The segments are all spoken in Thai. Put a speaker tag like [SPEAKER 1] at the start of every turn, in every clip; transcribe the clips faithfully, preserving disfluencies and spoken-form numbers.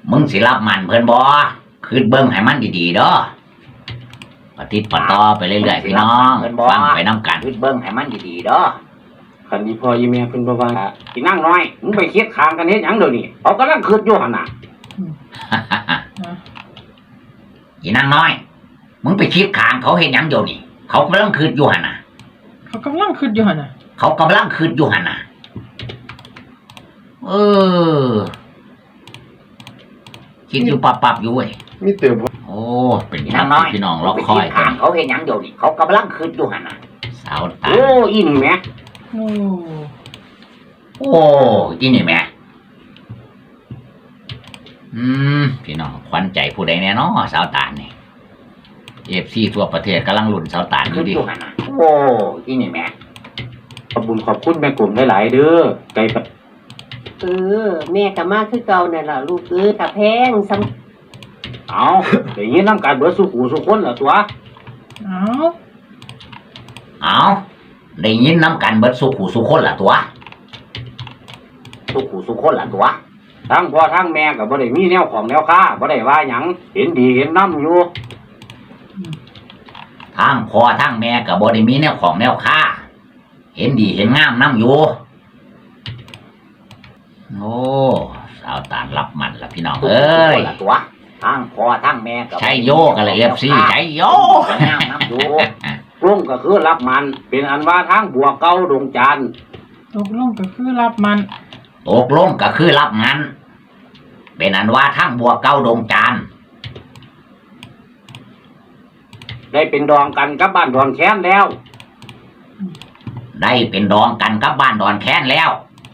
[SPEAKER 1] มึงสิรับมันเพิ่นบ่คืดเบิ่งให้มันดีๆเด้อปฏิติดต่อไปเรื่อยๆพี่น้องฟังไปนำกันคืดเบิ่งให้มันดีๆเด้อ
[SPEAKER 2] คันนี้พ่อยี่แม่เพิ่นบ่ว่าสินั่งน้อยมึงไปคิดข้างกันเฮ็ดหยังเดี๋ยวนี้เขากำลังคิดอยู่หั่นน่ะ
[SPEAKER 1] อีนางน้อยมึงไปคิดข้างเขาเฮ็ดหยังเดี๋ยวนี้เขากำลังคืดอยู่หั่นน่ะ
[SPEAKER 3] เขากำลังคืดอยู่หั่นน่ะ
[SPEAKER 1] เขากำลังคืดอยู่หั่นน่ะเออคิดอยู่ปับๆอยู่เว้ย
[SPEAKER 4] มีเติม
[SPEAKER 1] โอ้เป็นนางน้อยพี่น้องรอคอยกันเขาเฮ็ดหยังเดี๋ยวนี้เขากำลังคืดอยู่หั่นน่ะสาวตา
[SPEAKER 2] โอ้อินแม่
[SPEAKER 3] โอ้
[SPEAKER 1] โอ้อีนี่แม่อืมพี่น้องขวัญใจผู้ใดแน่เนาะสาวตาลนี่เอฟซีทั่วประเทศกำลังลุ้นสาวตาลอยู่ดิโอ้อีนี่แม่
[SPEAKER 2] ขอบคุณขอบคุณแม่กลุ่มหลายๆเด้อไกล
[SPEAKER 5] เออแม่ก็มาคือเก่านั่นล่ะลูกเอ้ยตะแพงซ้
[SPEAKER 2] ำเอาได้ยินนำกันเบิดสุขูสุคนล่ะตัว
[SPEAKER 3] เอา
[SPEAKER 1] เอาได้ยินนำกันเบิดสุขูสุคนล่ะตัวสุขูสุคนล่ะตัว
[SPEAKER 2] ทั้งพ่อทั้งแม่ก็บ่ได้มีแนวของแนวค้าบ่ได้ว่าหยังเห็นดีเห็นนำอยู่
[SPEAKER 1] ทั้งพ่อทั้งแม่ก็บ่ได้มีแนวของแนวค้าเห็นดีเห็นงามนำอยู่โอ้สาวตาลรับมันละพี่น้องเอ้ยตัวทั้งพ่อทั้งแม่ก็ใช้โยกันเลยเอฟซีใช้โยงามนำอยู่
[SPEAKER 2] ลงก็คือรับมันเป็นอันว่าทางบัวเก่าดงจันทร์
[SPEAKER 3] ตกลงก็คือรับมัน
[SPEAKER 1] ตกลงก็คือรับงานเป็นอันว่าทางบัวเก่าดงจันทร์
[SPEAKER 2] ได้เป็นดองกันกับบ้านดอนแค้นแล้ว
[SPEAKER 1] ได้เป็นดองกันกับบ้านดอนแค้นแล้ว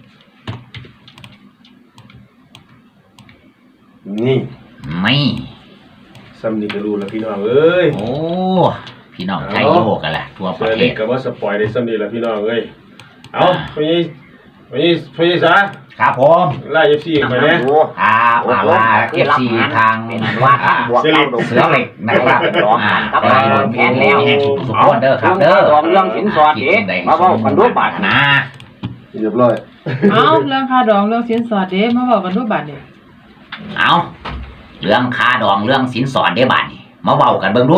[SPEAKER 4] นี่
[SPEAKER 1] ไม่
[SPEAKER 4] ซ้ำนี่ก็รู้แล้วพี่น้องเอ้ย
[SPEAKER 1] โอ้พี่น้องใช้โยกันแหละทั่วประเทศ
[SPEAKER 4] ก็ว่าสปอยได้ซ้ำนี่แล้วพี่น้องเอ้ยเอาพี่พี่พี่ซะ
[SPEAKER 1] ครับผม
[SPEAKER 4] ไล่เอฟซีไปเนี่ย
[SPEAKER 1] ครับลาเอฟซีทางว่าทางบวกเก้าดงเสือเหล็กนะครับ
[SPEAKER 2] ดองกันกับบ้านดอนแค้นแล้ว
[SPEAKER 1] สุขเด้อครับเด้อ
[SPEAKER 2] ดองเรื่องสินสอดเด้มาเว้ากันดูบาด
[SPEAKER 1] นะ
[SPEAKER 4] เรียบร้อย
[SPEAKER 3] เอาเรื่องค่าดองเรื่องสินสอดเด้มาเว้ากันดูบาดเด้
[SPEAKER 1] เอาเรื่องค่าดองเรื่องสินสอดเด้บาดนี่มาเว้ากันเบิ่งดู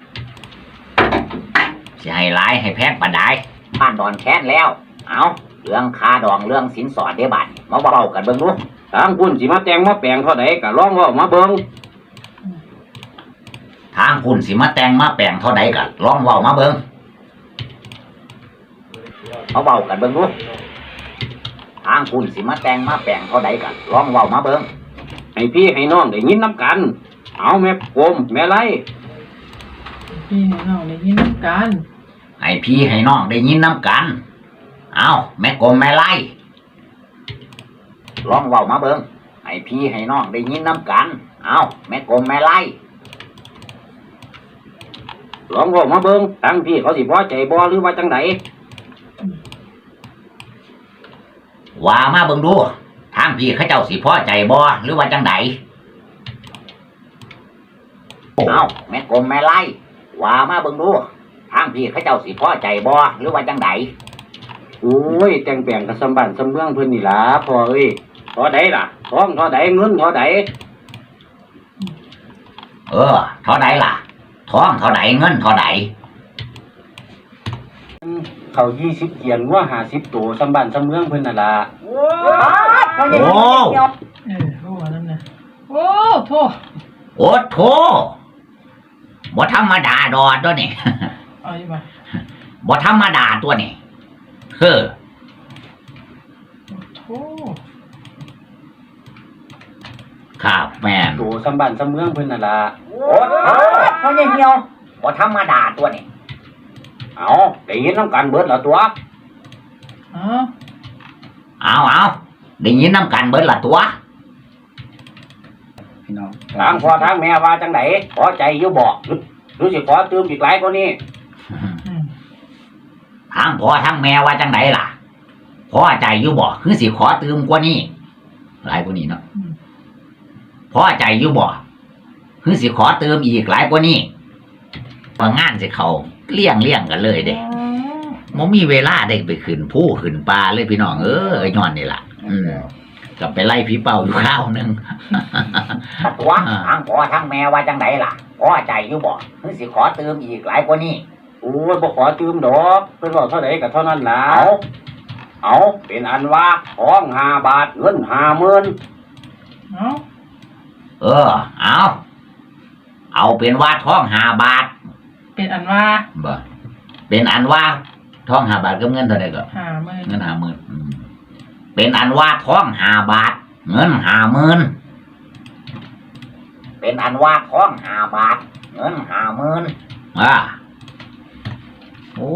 [SPEAKER 1] สิให้หลายให้แพงปานใดบ้านดอนแค้นแล้วเอาเรื่องค่าดองเรื่องสินสอดเด้บาดนี่มาเว้ากันเบิ่งดู
[SPEAKER 2] ทางคุณสิมาแต่งมาแปลงเท่าใดก็ลองเว้ามาเบิ่ง
[SPEAKER 1] ทางคุณสิมาแต่งมาแปลงเท่าใดก็ลองเว้ามาเบิ่งเอาเว้ากันเบิ่งดูทางคุณสิมาแต่งมาแปลงเท่าใดก็ลองเว้ามาเบิ่ง
[SPEAKER 2] ให้พี่ให้น้องได้ยินนำกันเอาแม่กลมแม่ไร
[SPEAKER 3] พี่ให้น้องได้ยินนำกัน
[SPEAKER 1] ให้พี่ให้น้องได้ยินนำกันเอาแม่กลมแม่ไรลองเว้ามาเบิ่งให้พี่ให้น้องได้ยินนำกันเอาแม่กลมแม่ไร
[SPEAKER 2] ลองเว้ามาเบิ่งทางพี่เขาสิพอใจบ่หรือว่าจังได
[SPEAKER 1] ว่ามาเบิ่งดูทางพี่เขาเจ้าสิพอใจบ่หรือว่าจังไดเอาแม่กลมแม่ไรว่ามาเบิ่งดูทางพี่เขาเจ้าสิพอใจบ่หรือว่าจังได
[SPEAKER 2] โอ้ยแต่งแปลงกับสมบัติสมเมืองเพิ่นนี่ล่ะพ่อเอ้ยเท่าใดล่ะท้องเท่าใดเงินเท่าใด
[SPEAKER 1] เออเท่าใดล่ะท้องเท่าใดเงินเท่าใด
[SPEAKER 2] เขายี่สิบเกียนว่าห้าสิบตัวสมบัติสมเมืองเพิ่นน่ะล่ะ
[SPEAKER 1] โอ้
[SPEAKER 3] เออโอ้นั่นน่ะโอ้โธ่
[SPEAKER 1] โอ้โธ่บ่ธรรมดาดอดตัวนี่
[SPEAKER 3] เอาอีกบ่
[SPEAKER 1] บ่ธรรมดาตัวนี่เฮ้อ
[SPEAKER 3] โธ่
[SPEAKER 1] ครับแม่น
[SPEAKER 2] ตัวสมบัติสมเมืองเพิ่นน่ะล่ะ
[SPEAKER 1] โอ้เฮาเหี่ยวบ่ธรรมดาตัวนี่
[SPEAKER 2] เอาได้ยินนำกันเบิดละตัว
[SPEAKER 3] เอา
[SPEAKER 1] เอาเอาได้ยินนำกันเบิดละตัว
[SPEAKER 2] พี่น้องทางพ่อทางแม่ว่าจังไดพอใจอยู่บ่หรือสิขอเติมอีกหลายกว่านี้
[SPEAKER 1] ทางพ่อทางแม่ว่าจังไดล่ะพอใจอยู่บ่คือสิขอเติมกว่านี้หลายกว่านี้เนาะพอใจอยู่บ่คือสิขอเติมอีกหลายกว่านี้ว่างานสิเขาเลี้ยงเลี้ยงกันเลยเด้บ่มีเวลาได้ไปขึ้นภูขึ้นป่าเลยพี่น้องเอ้ยย้อนนี่ล่ะอืมก็ไปไล่ผีเป่าอยู่ข้าวหนึง
[SPEAKER 6] ตัว
[SPEAKER 1] อ่า
[SPEAKER 6] ทั้งพ่อทั้งแม่ว่าจังไดล่ะพ่อใจอยู่บ่หรือสิขอเติมอีกหลายกว่านี้
[SPEAKER 2] โอ้ยบ่ขอตืมดอกเพิ่นบอกเท่าไหร่ก็เท่านั้นล่ะ
[SPEAKER 6] เอา
[SPEAKER 2] เอาเป็นอันว่าทองห้าบาทเงินห้าหมื่น
[SPEAKER 3] เอ้า
[SPEAKER 1] เออ เอาเอาเป็นว่าท้องหาบาท
[SPEAKER 3] เป็นอันว่า
[SPEAKER 1] บ่เป็นอันว่าท้องหาบาทกับเงินเท่าไหร่ก็
[SPEAKER 3] หาหมื่น
[SPEAKER 1] เงินหาหมื่นอืมเป็นอันว่าท้องหาบาท เงินหาหมื่น
[SPEAKER 6] เป็นอันว่าท้องหาบาท เงินหาหมื่น
[SPEAKER 1] อ่าโอ้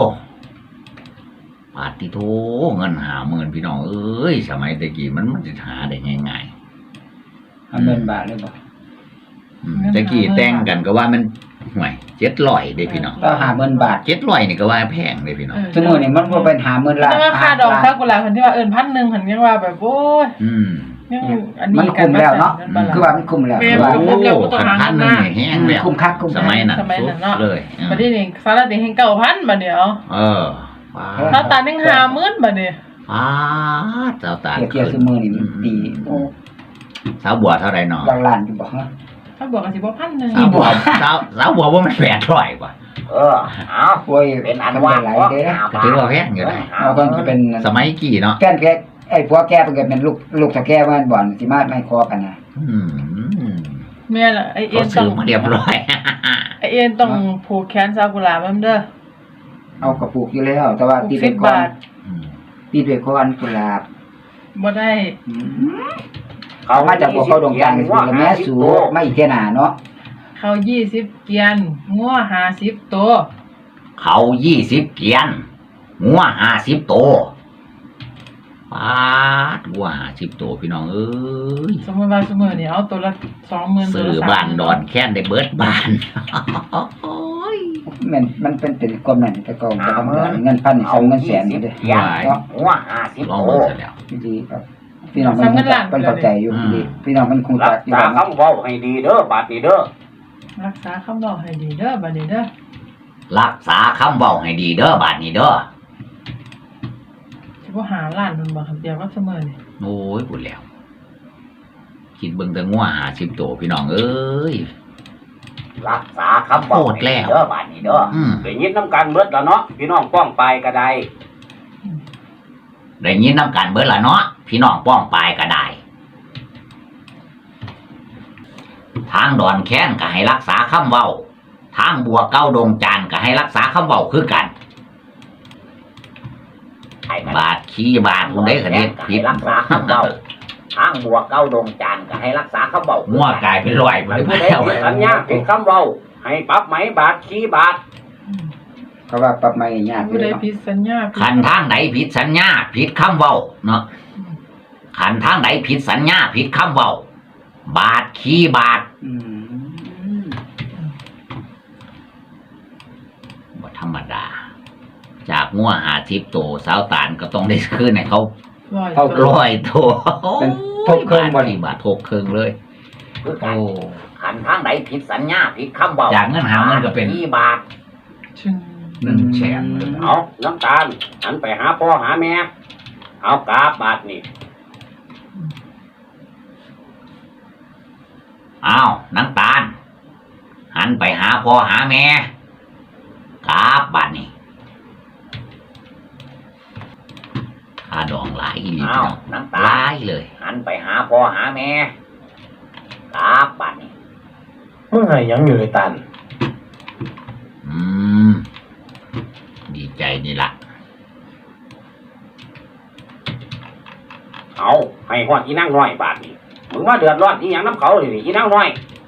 [SPEAKER 1] ปาติโทเงินหาหมื่นพี่น้องเอ้ยสมัยตะกี้มันมันจะหาได้ง่าย
[SPEAKER 7] ห้าหมื่นบาทเลยบ่
[SPEAKER 1] ๆอืมตะกี้แต่งกันก็ว่ามันห่วยเจ็ดร้อยเด้พี่น้อง
[SPEAKER 7] ก็ห้าหมื่นบาท
[SPEAKER 1] เจ็ดร้อยนี่ก็ว่าแพงเลยพี่น้อง
[SPEAKER 3] เออ
[SPEAKER 7] สมมุตินี่มันบ่เป็นห้าหมื่นล้าน
[SPEAKER 3] แต่ว่าค่าดอกซากุระเพิ่นที่ว่าเอิ้นพันหนึ่งเพิ่นยังว่าแบบโอ้ย
[SPEAKER 1] อืม
[SPEAKER 3] ยังอัน
[SPEAKER 7] มัน
[SPEAKER 3] นี้กั
[SPEAKER 7] คุ้
[SPEAKER 3] น
[SPEAKER 7] มแล้วเนาะ
[SPEAKER 3] บ่ล่ะ
[SPEAKER 7] คือว่ามันคุ้มแล้ว
[SPEAKER 3] แม่
[SPEAKER 7] คือว่า
[SPEAKER 3] คุ้มแล้วบ่ต้องหา
[SPEAKER 1] พันหนึ่งนี่แห้งแล้ว
[SPEAKER 7] คุ้มคักคุ้ม
[SPEAKER 1] สมัยนั้น
[SPEAKER 3] สมัยนั้นเนาะ
[SPEAKER 1] เลยอืม
[SPEAKER 3] บัดนี้นี่สารติแห่งเก้าพันบัดเดียว
[SPEAKER 1] เออว้า
[SPEAKER 3] ถ้าตาหนึ่งห้าหมื่นบัดนี้
[SPEAKER 1] ว้าเจ้าตา
[SPEAKER 7] เทียบเทียบซุมื้อนี่มันตีโอ้
[SPEAKER 1] สาวบัวเท่าไรเนาะ
[SPEAKER 7] หลักล้านอยู่บ่ฮะ
[SPEAKER 3] ถ้าบอกก็สิบ่พันหนึ่ง
[SPEAKER 1] สาวบัวสาวสาวบัวว่ามันแปดร้อยกว่า
[SPEAKER 6] เออ เอา
[SPEAKER 7] โอ้ย
[SPEAKER 6] เป็นอัน
[SPEAKER 7] ทำ
[SPEAKER 6] ว่า
[SPEAKER 7] ได้หลาย
[SPEAKER 6] ท้อง
[SPEAKER 7] เด้
[SPEAKER 6] หา
[SPEAKER 1] ก็
[SPEAKER 6] บาท
[SPEAKER 1] ถือว่าแพงอยู่
[SPEAKER 6] เงิน
[SPEAKER 1] นะ
[SPEAKER 6] หา
[SPEAKER 7] เอา
[SPEAKER 6] ห
[SPEAKER 7] ก็
[SPEAKER 6] มื่น
[SPEAKER 7] เป็น
[SPEAKER 1] สมัยกี่เนาะ
[SPEAKER 7] แก้นแกไอ้ผัวแกเพิ่นก็เป็นลูกลูกตะแก้บ้านบ่อนสิมาไม่คอกันนะ
[SPEAKER 1] อืม
[SPEAKER 3] แม่ล่ะไอเอ็
[SPEAKER 1] เขา
[SPEAKER 3] นต้
[SPEAKER 1] ซื้
[SPEAKER 3] อ
[SPEAKER 1] อง มาเรียบร้อย
[SPEAKER 3] ไอเอ็นต้องผูกแขนซากุระมันเด้อ
[SPEAKER 7] เอากระปุกอยู่แล้ว แต่ว่า
[SPEAKER 3] ผูก
[SPEAKER 7] ตี
[SPEAKER 3] สิ
[SPEAKER 7] เป็
[SPEAKER 3] บ
[SPEAKER 7] นก้อบ
[SPEAKER 3] าน ท
[SPEAKER 1] อืม
[SPEAKER 7] ตีเป็นก้อนกุหลาบ
[SPEAKER 3] บ่ได้
[SPEAKER 7] อืมเขามาจากพวกเขาดงจันทร์สิแล้วแม่สูมาอีกเที่ยหน้าเนาะ
[SPEAKER 3] เขายี่สิบเกียนงัวห้าสิบตัว
[SPEAKER 1] เขายี่สิบเกียนงัวห้าสิบตัวปาดงัวห้าสิบตัวพี่น้องเอ้ย
[SPEAKER 3] สมมติว่าสมมตินี่เอาตัวละสองหมื่นตัว
[SPEAKER 1] ซื้อ
[SPEAKER 3] ละสาม
[SPEAKER 1] บ้านดอนแค้นได้เบิดบ้าน
[SPEAKER 7] มันมันเป็นเป็นกลมนั่นแต่ก็บ่ทำงานเงินพันนี่ส่งเงินแสนนี่เด้
[SPEAKER 6] เกียน
[SPEAKER 7] เนาะ
[SPEAKER 6] หัวห้าสิบ
[SPEAKER 1] ลอง
[SPEAKER 6] โต
[SPEAKER 1] เบิ่งเสร็จแล้ว
[SPEAKER 7] ดีครับพี่น้องมันคงจะเป็นเข้าใจอยู่ดีพี่น้องมันคง
[SPEAKER 2] รั
[SPEAKER 7] จะ
[SPEAKER 2] ก
[SPEAKER 7] อยู่
[SPEAKER 2] ษา
[SPEAKER 7] ว่า
[SPEAKER 2] คำเว้าให้ดีเด้อบาดนี้เด้อ
[SPEAKER 3] รักษาคำบอกให้ดีเด้อบัดนี้เด้อ
[SPEAKER 1] รักษาคำเว้าให้ดีเด้อบาดนี้เด้อ
[SPEAKER 3] สิบ่หาล้านมันบ่ครับเดียวก็สมมตินี่
[SPEAKER 1] โอ้ยพูดแล้ว คิดเบิ่งแต่งัวห้าสิบตัวพี่น้องเอ้ย
[SPEAKER 6] รักษาคำบอก
[SPEAKER 1] โคตรแล้ว
[SPEAKER 6] เด้อบาดนี้เด้อ
[SPEAKER 1] อืม
[SPEAKER 2] ได้ยินน้ำกันเบิดแล้วเนาะพี่น้องป้องไปก็ได้
[SPEAKER 1] ได้ยินน้ำกันเบิดละเนาะพี่น้องป้องปลายก็ได้ ทางดอนแค้นก็ให้รักษาคำเว้า ทางบัวเก้าดงจานก็ให้รักษาคำเว้าคือกัน
[SPEAKER 6] ให้มัน
[SPEAKER 1] บาทขี้บาทคุณได้คะเด็ด
[SPEAKER 6] ก็
[SPEAKER 1] ผิ
[SPEAKER 6] ให้
[SPEAKER 1] ด
[SPEAKER 6] รักษาคำเบาทางบัวเก้าดงจานก็ให้รักษาคำเบา
[SPEAKER 1] งัวกลายเป็นรอยไป
[SPEAKER 2] ผู้ใด
[SPEAKER 1] แล้ว
[SPEAKER 2] ผิดสัญญาผิดคำเว้าให้ปรับไหมบาทขี้บาท
[SPEAKER 7] เขาว่าปรับไม่ยากเล
[SPEAKER 3] ผู้ใด
[SPEAKER 7] ยเนาะ
[SPEAKER 3] ผิดสัญญาผิด
[SPEAKER 1] ขันทางไหนผิดสัญญาผิดคำเว้าเนาะขันทางไหนผิดสัญญาผิดคำเว้า บาทขี้บาท
[SPEAKER 7] อืม
[SPEAKER 1] บ่ธรรมดา จากงัวหาทิพโตสาวตานก็ต้องได้คืนให้เขา
[SPEAKER 3] ร้อย
[SPEAKER 7] เท่า
[SPEAKER 3] ตัว
[SPEAKER 1] ร้อยตัว
[SPEAKER 7] เป็นทบเครื่องบ่
[SPEAKER 1] บาท
[SPEAKER 7] นี่
[SPEAKER 1] ที่บาททบเครื่องเลย
[SPEAKER 6] คือกั
[SPEAKER 1] โอ้
[SPEAKER 6] นขันทางไหนผิดสัญญาผิดคำเบา
[SPEAKER 1] จากเงินหาเงินก็เป็น
[SPEAKER 6] ที่บาท
[SPEAKER 3] ชึง
[SPEAKER 1] หนึ่งแสนเลย
[SPEAKER 2] เอาน้ำตาลหันไปหาพ่อหาแม่เอากราบบาทนี่
[SPEAKER 1] อ้าวน้ำตาล หันไปหาพ่อหาแม่กราบบาทนี่ค่าดองหลายอีหลี
[SPEAKER 6] อ้า
[SPEAKER 1] พี่
[SPEAKER 6] ว
[SPEAKER 1] น้อง
[SPEAKER 6] น้ำ
[SPEAKER 1] ห
[SPEAKER 6] ตา
[SPEAKER 1] ลายเลย
[SPEAKER 6] หันไปหาพ่อหาแม่ครับบาดนี้
[SPEAKER 4] มึงให้หยังอยู่ไอ้ตัน
[SPEAKER 1] อืม ดีใจนี่ละ
[SPEAKER 2] เอาให้ฮอดอีนั่งน้อยบาทนี่มึงว่าเดือดร้อนอีหยังน้ำเขาเลยนี่อีนั่งน้อย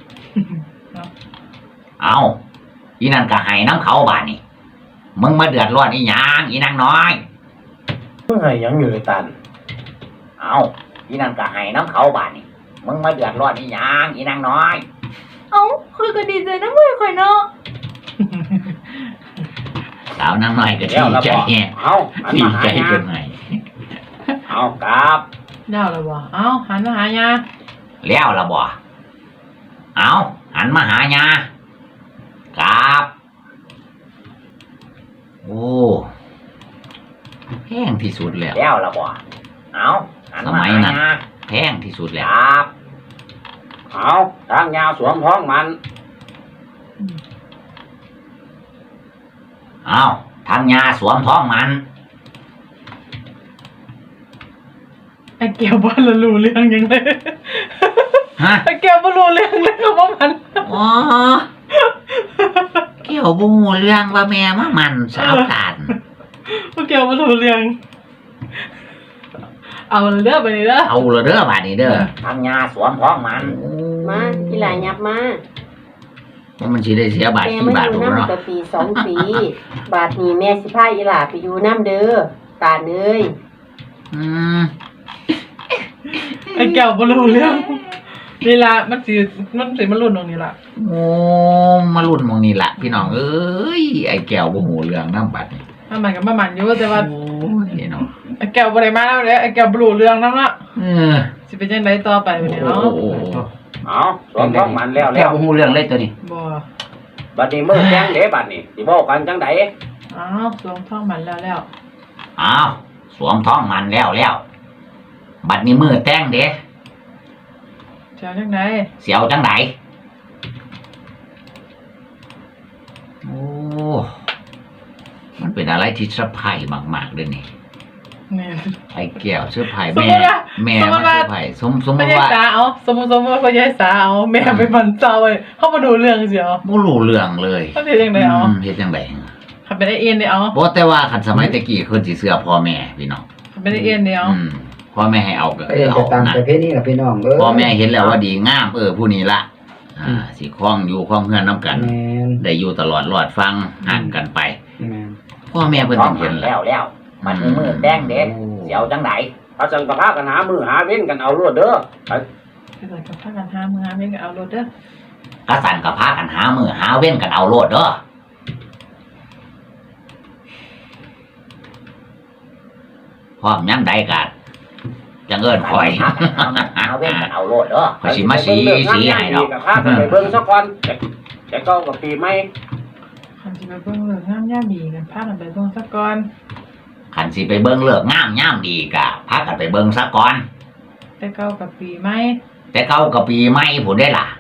[SPEAKER 1] เอาอีนั่นก็ให้น้ำเขาบาทนี่มึงมาเดือดร้อนอีหยังอีนางน้อย
[SPEAKER 4] มึงให้หยังอยู่ไอ้ตัน
[SPEAKER 6] เอาอีนั่นก็ให้น้ำเขาบาดนี้มึงมาเดือดร้อนอีหยังอีนางน้อย
[SPEAKER 8] เอ้าคุยก็ดีใจนะเว้ยข่อยเนาะ
[SPEAKER 1] สาวนางน้อยก็
[SPEAKER 2] แล้ว
[SPEAKER 1] ดี
[SPEAKER 2] ละ
[SPEAKER 1] ใจ
[SPEAKER 2] บอก
[SPEAKER 1] แฮะ
[SPEAKER 2] เอาหัน
[SPEAKER 1] ดี
[SPEAKER 2] มาหา
[SPEAKER 1] ใจ
[SPEAKER 2] ยา
[SPEAKER 1] เป็นไง
[SPEAKER 2] เอากราบ
[SPEAKER 3] แล้วแล้วบ่เอาหันมาหายา
[SPEAKER 1] แล้วละบ่เอาหันมาหายากราบ โอ้แห้งที่สุดแล้ว
[SPEAKER 6] แล้วละบ่เอาหัน
[SPEAKER 1] ส
[SPEAKER 6] มา
[SPEAKER 1] มัย
[SPEAKER 6] หา
[SPEAKER 1] นั้น
[SPEAKER 6] ยา
[SPEAKER 1] แพงที่สุดแล้ว
[SPEAKER 6] ครับ
[SPEAKER 2] เอาทางยาสวมท้องมัน
[SPEAKER 1] เอาทางยาสวมท้องมัน
[SPEAKER 3] ไอ้เกี่ยวบ่รู้เรื่องยังเลย
[SPEAKER 1] ฮะ
[SPEAKER 3] ไอ้เกี่ยวบ่รู้เรื่องเลยครับว่ามัน
[SPEAKER 1] อ๋อเกี่ยวบูเรื่องว่าแม่มามันสาวตาน
[SPEAKER 3] ไอ้เกี่ยวบ่รู้เรื่องเอาเด้อไปนี่เด้อ
[SPEAKER 1] เอาละเด้อบาดนี้เด้อ
[SPEAKER 6] ทางยาสวมท้องมัน
[SPEAKER 5] มาอีหลายับมา
[SPEAKER 1] ว่ามันสิได้เสียบาท
[SPEAKER 5] แม่
[SPEAKER 1] กี่
[SPEAKER 5] มา
[SPEAKER 1] บาท
[SPEAKER 5] อยู่
[SPEAKER 1] บ่เนาะ
[SPEAKER 5] น้ำกับปีสองปี บาทนี้แม่สิพาอีหลาไปอยู่น้ำเด้อตาเอ้ย
[SPEAKER 1] อืม
[SPEAKER 3] ไอ้เกี่ยวบ่รู้เรื่องนี่ล่ะมันสิมันสิมันรุ่นตรงนี้ล่ะ
[SPEAKER 1] โอ้มารุ่นหมองนี่ล่ะพี่น้องเอ้ยไอ้แก้วบ่ฮู้เรื่องนำบัดนี่
[SPEAKER 3] มันมันก็มามันอยู่แต่ว่า
[SPEAKER 1] โอ้ยเนาะ
[SPEAKER 3] ไอ้แก้วบ่ได้มาแล้วเด้อไอ้แก้วบ่รู้เรื่องนำละ
[SPEAKER 1] เออ
[SPEAKER 3] สิเป็นจังไดต่อไปบัดนี้
[SPEAKER 1] โอ้
[SPEAKER 3] เนาะ
[SPEAKER 1] โอ้
[SPEAKER 2] เอาสวมท้องมันแล้ว
[SPEAKER 7] แค่
[SPEAKER 2] แล้ว
[SPEAKER 7] บ่ฮู้เรื่องเลยตัวนี้
[SPEAKER 3] บ่
[SPEAKER 2] บัดนี้มือแจ้งเด้บัดนี้สิบอกกันจังได
[SPEAKER 3] อ้าวสวมท้องมันแล้วแล้ว
[SPEAKER 1] อ้าวสวมท้องมันแล้วแล้วบัดนี้มือแต่งเด้
[SPEAKER 3] เจ้าจังได
[SPEAKER 1] เสียวจังไดโอ้มันเป็นอะไรที่เซอร์ไพรส์มากๆเลยนี่
[SPEAKER 3] นี่
[SPEAKER 1] ไอ้แก้วเซอร์ไพรส์
[SPEAKER 3] สม
[SPEAKER 1] แม่
[SPEAKER 3] มุติว่า
[SPEAKER 1] แม่
[SPEAKER 3] สมมุ
[SPEAKER 1] มา
[SPEAKER 3] ติ
[SPEAKER 1] เซ
[SPEAKER 3] ว่า
[SPEAKER 1] อร์ไพรส์สมสมม
[SPEAKER 3] พ่อ
[SPEAKER 1] ติ
[SPEAKER 3] ใหญ่
[SPEAKER 1] ว่า
[SPEAKER 3] สาเอาสมมุติสมมุติว่าพ่อใหญ่สาเอาแม่ไปมันเจ้าเว้ยเฮาบ่รู้เรื่องเสียว
[SPEAKER 1] บ่รู้เรื่องเลย
[SPEAKER 3] เขาเฮ็ดจังไดเอา
[SPEAKER 1] อืมเฮ็ดจังได
[SPEAKER 3] คันเป็นไอ้เอ็นได้เอา
[SPEAKER 1] บ่แต่ว่าคันสมัยตะกี้เพิ่นสิเชื่อพ่อแม่พี่น้อง
[SPEAKER 3] คันเป็นไอ้เอ็นได้เอา
[SPEAKER 1] อืมพ่อแม่ให้เอาก็
[SPEAKER 7] ไปเรียน
[SPEAKER 1] เอา
[SPEAKER 7] จะตาม
[SPEAKER 1] นะ
[SPEAKER 7] ประเพณีล่ะพี่น้องเอ้ย
[SPEAKER 1] พ่อแม่เห็นแล้วว่าดีงามเออผู้นี้ละอ่าสิคล้องอยู่คล้องเฮือนนํกัน
[SPEAKER 7] แม่น
[SPEAKER 1] ได้อยู่ตลอดรอดฟังห่างกันไป
[SPEAKER 7] แม่น
[SPEAKER 1] พ่อแม่เพิ่น
[SPEAKER 6] ท้อ
[SPEAKER 1] ต้อง ง
[SPEAKER 6] มั
[SPEAKER 1] เห็
[SPEAKER 6] น
[SPEAKER 1] น
[SPEAKER 6] แล้วแล้วมันมีมือแดงเด็ดเสียวจังได
[SPEAKER 2] เอาจังกะพากันหามือหาเว้นกันเอารวดเด้อไป
[SPEAKER 3] ไปเลยกับพากันหามือหาเม่นก็เอารถเด้อก
[SPEAKER 1] ระสันก็พากันหามือหาเว้นกันเอาโลดเด้อพร้อมยามใดก็จังเอิ้นคอย
[SPEAKER 6] หาเว้นกันเอาโลดเด้อ
[SPEAKER 1] ขอยสิมาสีสีให้ดอก
[SPEAKER 2] กะพากันไปเบิ่งซะก่อนแต่แต่ก็กับปีใหม่
[SPEAKER 3] คันสิไปเบิ่งเรื่องงามยามดีกันพากันไปเบิ่งซะก่อน
[SPEAKER 1] คันสิไปเบิ่งเลิกงามยามดีก็พากันไปเบิ่งซะก่อน
[SPEAKER 3] แต่เก่ากับปีใหม่
[SPEAKER 1] แต่เก่าก็ปีใหม่พุ่นได้ล่ะ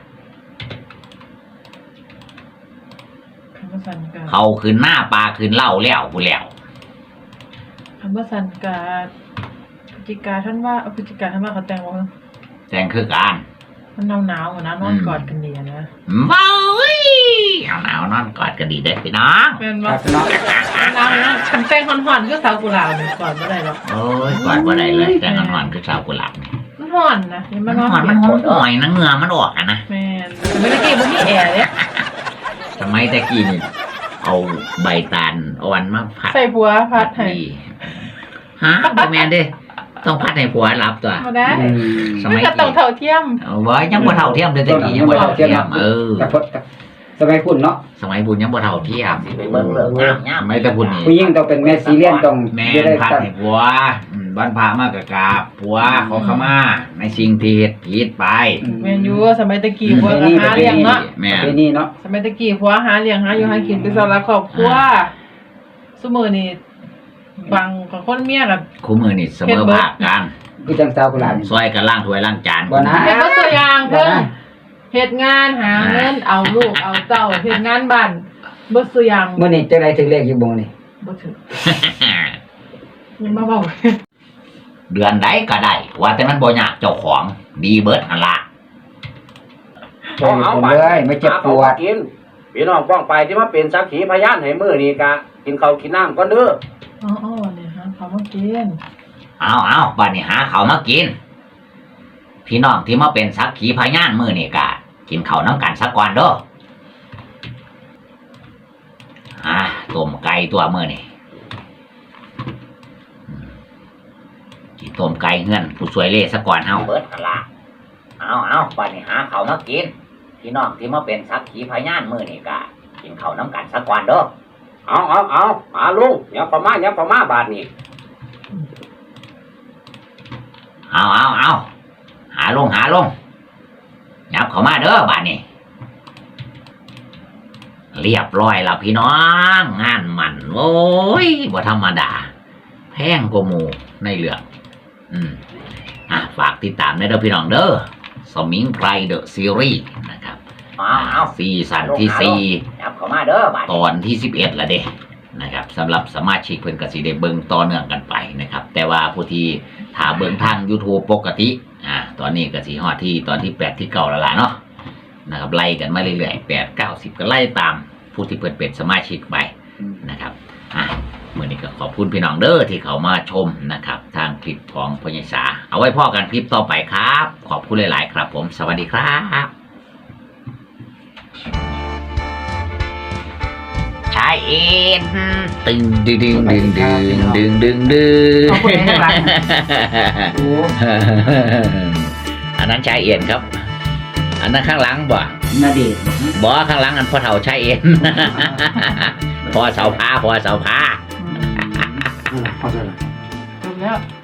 [SPEAKER 3] คันบ่สั่นก็
[SPEAKER 1] เขาขึ้นหน้าปลาขึ้นเหล้าแล้วพุ่นแล้ว
[SPEAKER 3] คันบ่สั่นก็พฤศจิกาท่านว่าเอาพฤศจิกาท่านว่าเขาแต่งบ่
[SPEAKER 1] แต่งคือการ
[SPEAKER 3] มันหนาวๆอะนะนอนกอดกันดีอะนะ
[SPEAKER 1] เว้ยหนาวๆนอนกอดกันดีเด้อพี่น้อง
[SPEAKER 3] แม่น
[SPEAKER 7] ค
[SPEAKER 3] บ่
[SPEAKER 7] รับพี่น้อง
[SPEAKER 3] หนาวนะฉันแต่งฮ้อนๆคือสาวกุหลาบนี่กอดบ่ได้หรอก
[SPEAKER 1] โอ้ยกอดบ่ได้เลยแต่งอนๆคือชาวกุหลาบนี่
[SPEAKER 3] มันฮ้อนนะอย่า
[SPEAKER 1] มั
[SPEAKER 3] มาน นอน
[SPEAKER 1] หอนมันหอนอ่อยนะเหงื่อมันออกอะนะ
[SPEAKER 3] แม่นแต่ไม่ได้กี้บ่มีแอร์เด้
[SPEAKER 1] สมัยตะกี้นี่เอาใบตาลอ่อนมาผัด
[SPEAKER 3] ใส่ผัวพัดให้
[SPEAKER 1] ดีฮะบ่แม่นเด้ต้องพัดให้ผัวรับตัว
[SPEAKER 3] บ่ได้
[SPEAKER 7] อืม
[SPEAKER 1] ส
[SPEAKER 3] มัน
[SPEAKER 1] มัย
[SPEAKER 3] ก็ต้อ
[SPEAKER 1] กี้
[SPEAKER 3] งเท่าเทียม
[SPEAKER 1] เอาไว้ยังบ่เท่าเทียมเลยตะกี้ยังบ่เท่าเทียมเออ
[SPEAKER 7] กับพดกับสมัยพุ่นเนาะ
[SPEAKER 1] สมัยบุญยังบ่เท่าเทียม
[SPEAKER 6] สิไปเบิ่งเลิกงามยาม
[SPEAKER 1] สมัยแตะบุญนี่
[SPEAKER 7] ผู้หญิงต้องเป็นแม่ซีเรียนต้อง
[SPEAKER 1] แม่
[SPEAKER 7] จะได้
[SPEAKER 1] นพัด
[SPEAKER 7] ตั้ง
[SPEAKER 1] ให้ผัวอืมวันพระมากกกราบผัวขอขมาในสิ่งที่เฮ็ดผิดไป
[SPEAKER 3] แม่นอยู่สมัยตะกี้
[SPEAKER 1] อืม
[SPEAKER 3] ผัวก็หาเลี้ยงเนาะ
[SPEAKER 1] แม่
[SPEAKER 7] ประ
[SPEAKER 1] น
[SPEAKER 7] เพณีเนาะ
[SPEAKER 3] สมัยตะกี้ผัวหาเลี้ยงหาอยู่หากินเป็นสาระครอบครัวซุมื้อนี้บางของคนเมียก็
[SPEAKER 1] คู่มือนี่เสมอภาคกัน
[SPEAKER 7] คือจังสาวกุหลาบนี่
[SPEAKER 1] ซอยกันล้างถ้วยล้างจาน
[SPEAKER 7] บ่นะ
[SPEAKER 3] เฮ็ดบ่ตัวอย่าง
[SPEAKER 7] บ่
[SPEAKER 3] เพิ่น
[SPEAKER 7] นะ
[SPEAKER 3] เฮ็ดงานหาเงินเอาลูกเอาเต้าเฮ็ดงานบ้านบ่ตัวอย่าง
[SPEAKER 7] มื้อนี้จังได๋ถึงเลขอยู่บ่นี่
[SPEAKER 3] บ่ถึงยังมาเว้า
[SPEAKER 1] เดือนใดก็ได้ ว่าแต่มันบ่ยากเจ้าของดีเบิดหั่นล่ะ
[SPEAKER 7] บ่มีผลเลยไม่เจ็บปวด
[SPEAKER 2] กินพี่น้องป้องไปที่มาเป็นสักขีพยานให้มื้อนี้กะกินข้าวกินน้ำก่อนเด้อ
[SPEAKER 3] อ๋อๆนี่ฮะเขามากิน
[SPEAKER 1] เอาเอาบัดนี้หาข้าวมากิน พี่น้องที่มาเป็นสักขีพยานมื้อนี้ก็กินข้าวน้ำกันสักก่อนเด้ออ่าต้มไก่ตัวมื้อนี้อืมกินต้มไก่เฮือนผู้สวยเล่สักก่อนเฮา
[SPEAKER 6] เบิดหั่นล่ะเอาเอาบัดนี้หาข้าวมากินพี่น้องที่มาเป็นสักขีพยานมื้อนี้ก็กินข้าวน้ำกันสักวันเด้อ
[SPEAKER 2] เอาเอาเอามาลุงยับเข้ามายับเข้ามาบาดนี้
[SPEAKER 1] เอาเอาเอาหาลงหาลงยับเข้ามาเด้อบัดนี้ เรียบร้อยแล้วพี่น้องงานมันโอ้ยบ่ธรรมดา แพงกว่าหมู่ในเรื่องอืมอ่ะฝากติดตามในเด้อพี่น้องเด้อสมิงไพรเดอะซีรีส์นะครับ
[SPEAKER 6] เอาเอา
[SPEAKER 1] ซีซั่นที่สี่
[SPEAKER 6] จับเข้ามาเด้อบาด
[SPEAKER 1] ตอนที่สิบเอ็ดละเด้นะครับสำหรับสมาชิกเพิ่นก็สิได้เบิ่งต่อเนื่องกันไปนะครับ แต่ว่าผู้ที่ถ้าเบิ่งทาง YouTube ปกติอ่าตอนนี้ก็สิฮอดที่ตอนที่แปดที่เก้าแล้วล่ะเนาะนะครับไล่กันมาเรื่อยๆแปด เก้า สิบก็ไล่ตามผู้ที่เพิ่นเป็นสมาชิกไปนะครับอ่ะมื้อนี้ก็ขอบคุณพี่น้องเด้อที่เขามาชมนะครับ ทางคลิปของพญสาเอาไว้พอกันคลิปต่อไปครับ ขอบคุณหลายๆครับ ผมสวัสดีครับชายเอ็นตึงดึงดึงดึงดึงดึงดึงดึง
[SPEAKER 3] ขอบคุณข้างหลัง
[SPEAKER 7] โอ้
[SPEAKER 1] อันนั้นชายเอ็นครับ อันนั้นข้างหลังบ่
[SPEAKER 7] นาเดชน์
[SPEAKER 1] บ่ข้างหลังอันพ่อเฒ่าชายเอ็น พอเสาผ้าพอเสาผ้า
[SPEAKER 7] พอจะ
[SPEAKER 3] จบแล้ว